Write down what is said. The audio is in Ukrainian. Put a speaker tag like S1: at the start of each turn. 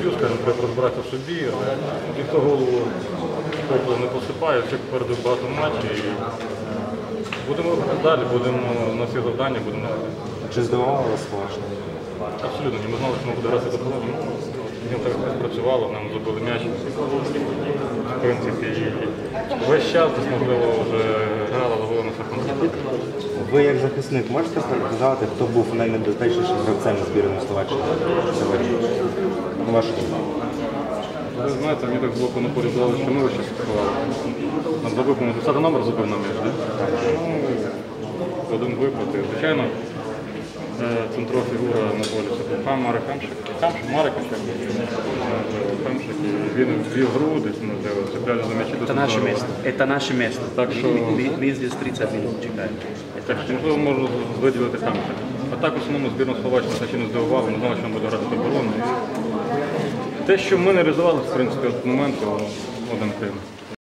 S1: б'ю, скажімо, треба розбиратися в собі, але ніхто голову попелом не посипає, всіх попереду багато матчів. І будемо рухати далі, будемо на всі завдання, будемо.
S2: Чи здивувало вас важко?
S1: Абсолютно, ні, ми знали, що ми буде грати за половину. Він так спрацювало, нам забили м'яч. В принципі, і весь час, можливо, вже грала, ловила на контроль.
S2: Ви як захисник можете сказати, хто був найнебезпечнішим гравцем збірної Словаччини сьогодні? На вашу думку?
S1: Ви знаєте, мені так з боку на полі здали, що ми ще спілкували. Нам забив, по-моєму, 10 номер забив на м'яч, так? Один виплати. Звичайно, центрова фігура на полі. Це Марик Хамшик. Марик Хамшик. Він ввів груди, цепляли за м'ячі.
S3: Это наше место.
S1: Так що,
S3: Мы здесь 30 минут чекаем.
S1: так що, можливо, можу виділити Хамшик. А так, в основному, збірна Словаччини це ще не здивувала, не знали, що він буде грати в оборону. Те, що ми не реалізували, в принципі, от моменту, один Крим.